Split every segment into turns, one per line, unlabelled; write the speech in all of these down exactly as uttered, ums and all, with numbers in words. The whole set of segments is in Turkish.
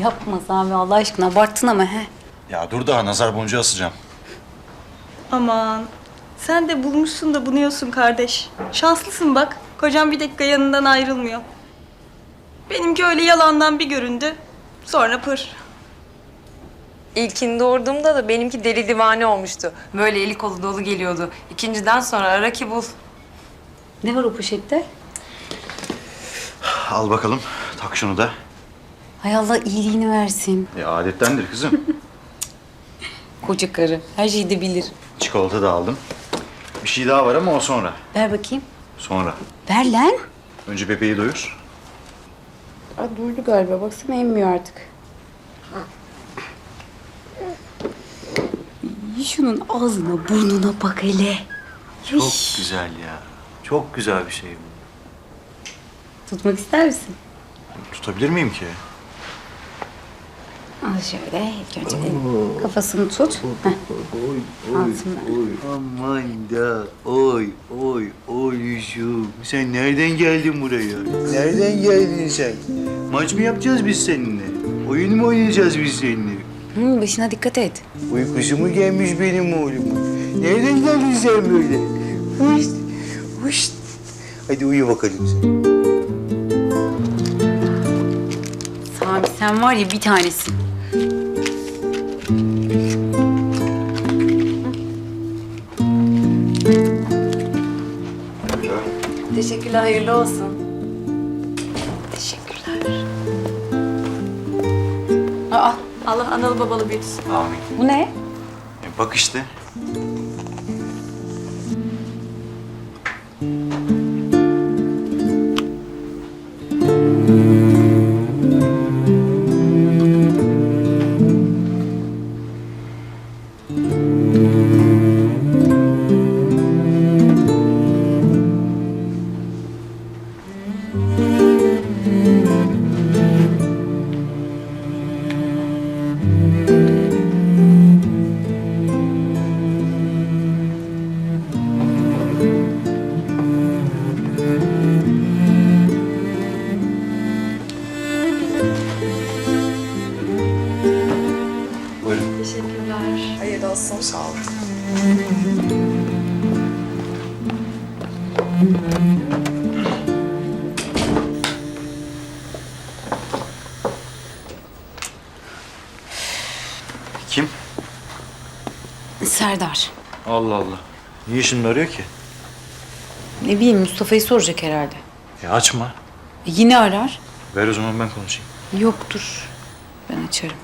Yapma Sami Allah aşkına abarttın ama he.
Ya dur daha nazar boncuğu asacağım.
Aman sen de bulmuşsun da bunuyorsun kardeş. Şanslısın bak. Kocam bir dakika yanından ayrılmıyor. Benimki öyle yalandan bir göründü. Sonra pır.
İlkini doğurduğumda da benimki deli divane olmuştu. Böyle eli kolu dolu geliyordu. İkinciden sonra ara ki bul.
Ne var o poşette?
Al bakalım. Tak şunu da.
Hay Allah iyiliğini versin.
E, adettendir kızım.
Koca karı. Her şeyi de bilir.
Çikolata da aldım. Bir şey daha var ama o sonra.
Ver bakayım.
Sonra.
Ver lan.
Önce bebeği doyur.
Aa, duydu galiba. Baksana emmiyor artık. Şunun ağzına burnuna bak hele.
Çok güzel ya. Çok güzel bir şey bu.
Tutmak ister misin?
Tutabilir miyim ki?
Al şöyle. İlk önce de kafasını tut. Heh.
Oy,
Altından.
oy, aman da, oy, oy, oy sen nereden geldin buraya? Nereden geldin sen? Maç mı yapacağız biz seninle? Oyun mu oynayacağız biz seninle?
Hı, başına dikkat et.
Uykusu mu gelmiş benim oğlumun? Nereden geldin sen böyle? Huşt, huşt. Hadi uyu bakalım sen.
Sami sen var ya bir tanesin.
Teşekkürler, hayırlı olsun.
Teşekkürler. Aa,
Allah analı babalı büyütsün.
Amin.
bu ne?
E, bak işte. Buyurun.
Teşekkürler. Hayırlı olsun.
Sağ olun. Kim?
Serdar.
Allah Allah. Niye şimdi arıyor ki?
Ne bileyim Mustafa'yı soracak herhalde.
Ya açma.
E, yine arar.
Ver o zaman ben konuşayım.
Yoktur. Ben açarım.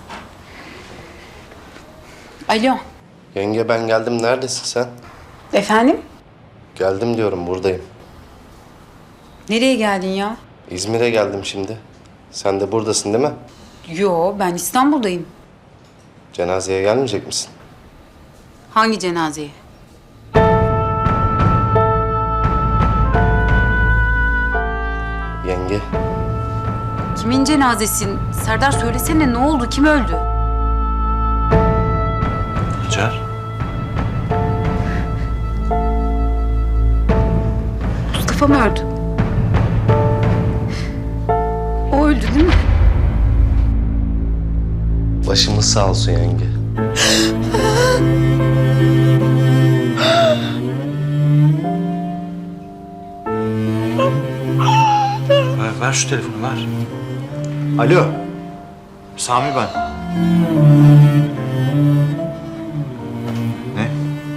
Alo.
Yenge ben geldim. Neredesin sen?
Efendim?
Geldim diyorum, buradayım.
Nereye geldin ya?
İzmir'e geldim şimdi. Sen de buradasın değil mi?
Yo ben İstanbul'dayım.
Cenazeye gelmeyecek misin?
Hangi cenazeye?
Yenge,
Kimin cenazesin? Serdar söylesene ne oldu? Kim öldü?
Hacer.
Mustafa mı öldü? O öldü değil mi?
başımız sağ olsun yenge.
Ver, ver şu telefonu ver. Alo. Sami ben. Ne?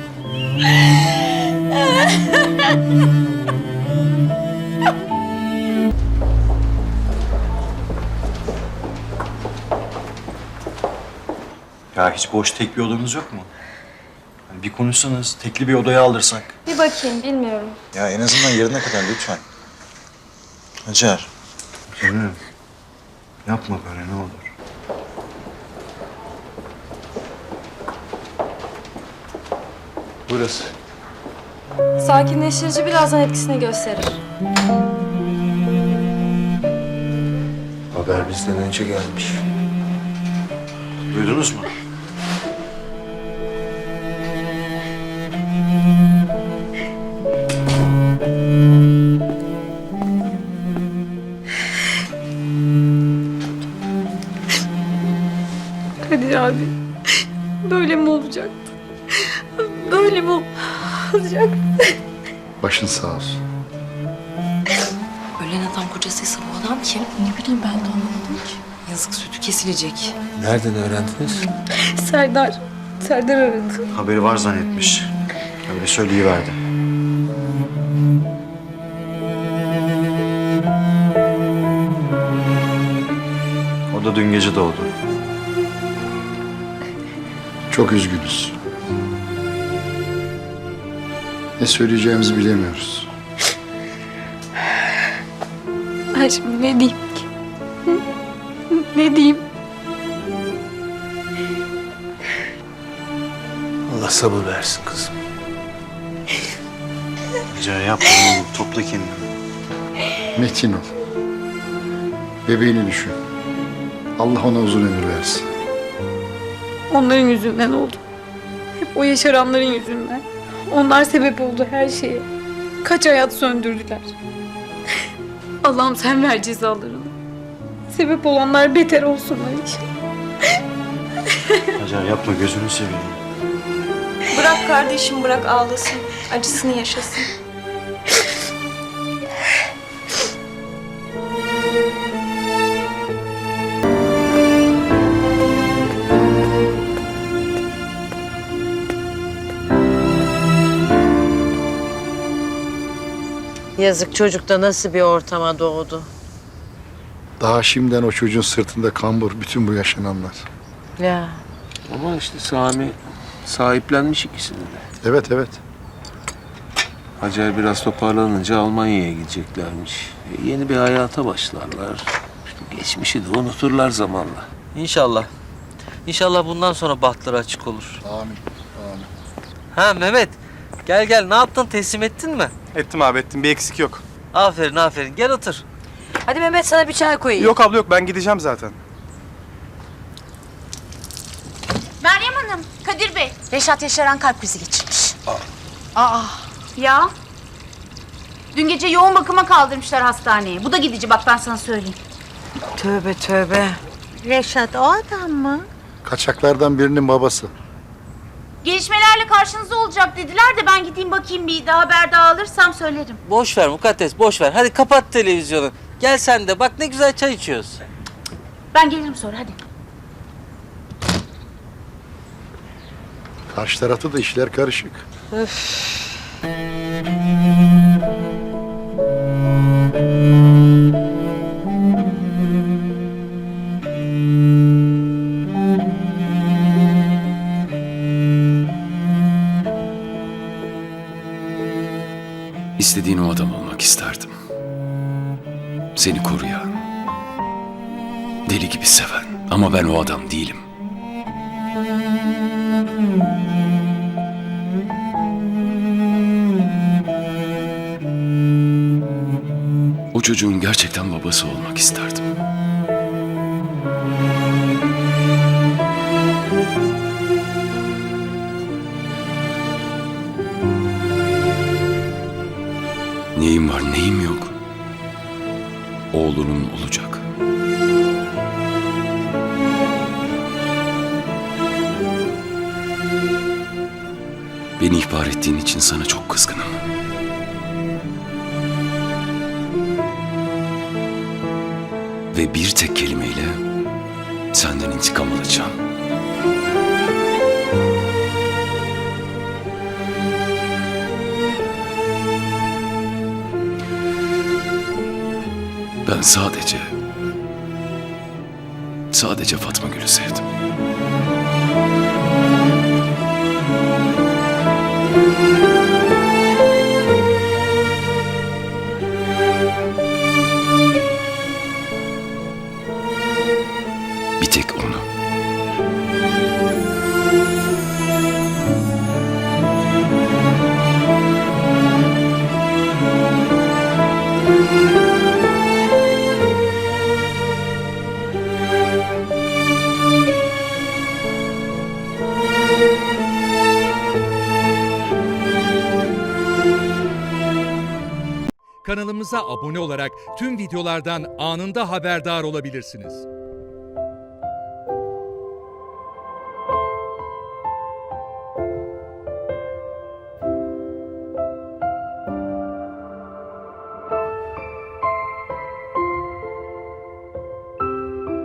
Ya hiç boş tek bir odanız yok mu? Hani bir konuşsanız, tekli bir odaya aldırsak.
Bir bakayım bilmiyorum.
Ya en azından yerine kadar lütfen. Hacer. Canım. Yapma böyle ne olur. Burası.
Sakinleştirici birazdan etkisini gösterir.
Haber bizden önce gelmiş.
Duydunuz mu?
Kadir abi. Böyle mi olacaktı? Böyle mi olacaktı?
Başın sağ olsun.
Ölen adam kocasıysa bu adam kim? Ne bileyim ben de anlamadım ki. Yazık sütü kesilecek.
Nereden öğrendiniz?
Serdar. Serdar aradı.
Haberi var zannetmiş. Öyle söyleyiverdi. O da dün gece doğdu.
Çok üzgünüz. Ne söyleyeceğimizi bilemiyoruz.
Ben şimdi ne diyeyim ki? Hı? Ne diyeyim?
Allah sabır versin kızım.
Hacer yapma oğlum. Topla kendini.
Metin ol. Bebeğini düşün. Allah ona uzun ömür versin.
Onların yüzünden oldu. Hep o yaşaranların yüzünden. Onlar sebep oldu her şeye. Kaç hayat söndürdüler. Allah'ım sen ver cezalarını. Sebep olanlar beter olsunlar inşallah.
Hacer yapma gözünü seveyim.
Bırak kardeşim bırak ağlasın. Acısını yaşasın.
Yazık çocuk da nasıl bir ortama doğdu.
Daha şimdiden o çocuğun sırtında kambur bütün bu yaşananlar.
Ya
Ama işte Sami sahiplenmiş ikisini de.
Evet evet.
Hacer biraz toparlanınca Almanya'ya gideceklermiş. E, yeni bir hayata başlarlar. İşte geçmişi de unuturlar zamanla.
İnşallah. İnşallah bundan sonra bahtları açık olur.
Amin. Amin.
Ha Mehmet, gel gel. Ne yaptın? Teslim ettin mi?
Ettim abi ettim. Bir eksik yok.
Aferin aferin. Gel otur.
hadi Mehmet sana bir çay koyayım.
Yok abla yok. Ben gideceğim zaten.
Meryem Hanım, Kadir Bey.
Reşat Yaşaran kalp krizi geçirmiş.
Ya. Dün gece yoğun bakıma kaldırmışlar hastaneye. Bu da gidici bak ben sana söyleyeyim.
Tövbe tövbe. Reşat o adam mı?
Kaçaklardan birinin babası.
Gelişmelerle karşınızda olacak dediler de ben gideyim bakayım bir daha haber daha alırsam söylerim.
Boş ver Mukaddes, boş ver. Hadi kapat televizyonu. Gel sen de. Bak ne güzel çay içiyoruz.
Ben gelirim sonra hadi.
Karşı tarafta da işler karışık.
İstediğin o adam olmak isterdim. Seni koruyan, deli gibi seven ama ben o adam değilim. O çocuğun gerçekten babası olmak isterdim. Neyim var, neyim yok. Oğlunun olacak. Beni ihbar ettiğin için sana çok kızgınım. Ve bir tek kelimeyle senden intikam alacağım. Ben sadece, sadece Fatma Gül'ü sevdim. Bir tek onu.
Kanalımıza abone olarak tüm videolardan anında haberdar olabilirsiniz.